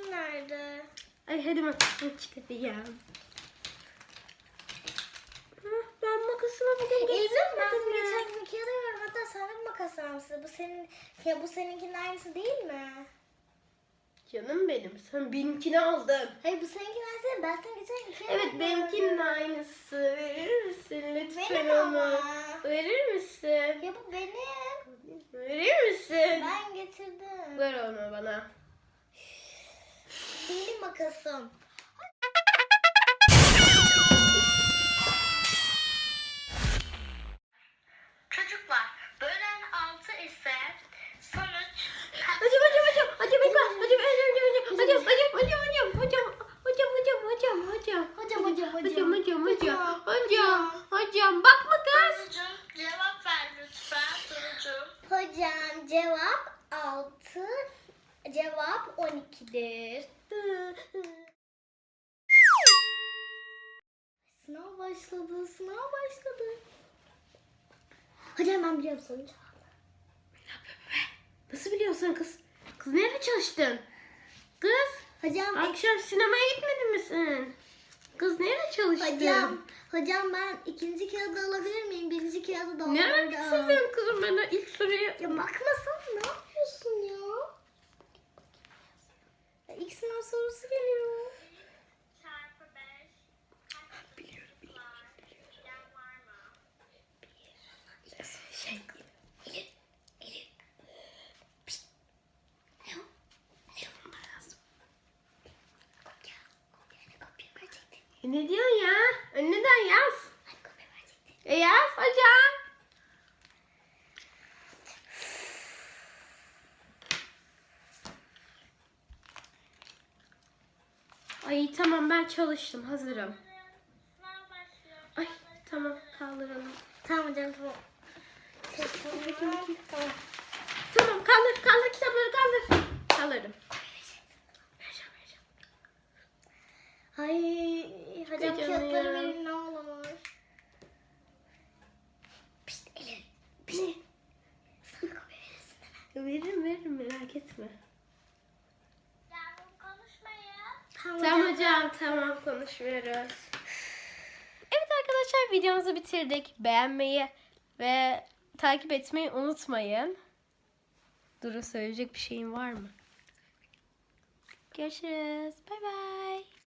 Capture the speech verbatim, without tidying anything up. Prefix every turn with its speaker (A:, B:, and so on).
A: makasım nerede?
B: Ay hadi makasını çıkarayım. Hah, ben makasımı bugün
A: İlmi ben
B: getirmedim
A: sana
B: ya.
A: geçen gün kağıda veriyorum. Hatta sen de bir makas almışsın. Bu senin, ya bu seninkinin aynısı değil mi?
B: Canım benim, sen benimkini aldın.
A: Hayır bu seninkinin aynısı değil. Ben sana geçen gün kağıda
B: Evet,
A: veriyorum.
B: benimkinin aynısı. Verir misin lütfen
A: Benim
B: onu?
A: ama.
B: Verir misin?
A: Ya bu benim.
B: Verir misin?
A: Ben getirdim.
B: Ver onu bana.
A: Benim makasım. Çocuklar, bölen altı ise sonuç.
B: Hocam hocam hocam hocam hocam hocam hocam hocam hocam hocam hocam hocam hocam hocam hocam hocam
A: Hocam hocam
B: hocam hocam hocam hocam hocam bakma kız.
C: Turucuğum cevap ver lütfen Turucuğum.
A: Hocam cevap altı, cevap on ikidir. Sınav başladı, sınav başladı. Hocam ben biliyorum sonucu.
B: Nasıl biliyorsun kız? Kız nerede çalıştın? Kız
A: Hocam,
B: akşam sinemaya gitmedin mi sen? Kız nerede çalıştın?
A: hocam, hocam ben ikinci kağıdı alabilir miyim? Birinci kağıdı da
B: Nereye
A: alırım.
B: gitsin kızım, bana ilk soruyu.
A: Ya bakmasana, ne yapıyorsun ya? Ya ilk sınav sorusu geliyor.
C: Çarpı beş.
B: Biliyorum, biliyorum, biliyorum.
C: Yan var mı?
B: Şey, ne diyorsun ya? Önünden yaz. E yaz hocam. Ay tamam, ben çalıştım, hazırım.
C: Sınav başlıyor.
B: Ay tamam, kaldıralım.
A: Tamam hocam, tamam. Şey, tamam, tamam.
B: Tamam, kaldır kaldır kitapları, kaldır. Kaldırdım. Vereceğim vereceğim.
A: Ay hocam
B: Hocam
A: kağıtları
B: ya.
A: verin ne olur. Pişt Elif. Pişt. Sana kopya verirsin hemen.
B: Veririm veririm, merak etme.
C: Yavrum konuşmayın.
A: Tamam,
B: Tamam hocam, tamam, konuşmuyoruz. Evet arkadaşlar, videomuzu bitirdik. Beğenmeyi ve takip etmeyi unutmayın. Duru, söyleyecek bir şeyin var mı? Görüşürüz. Bay bay.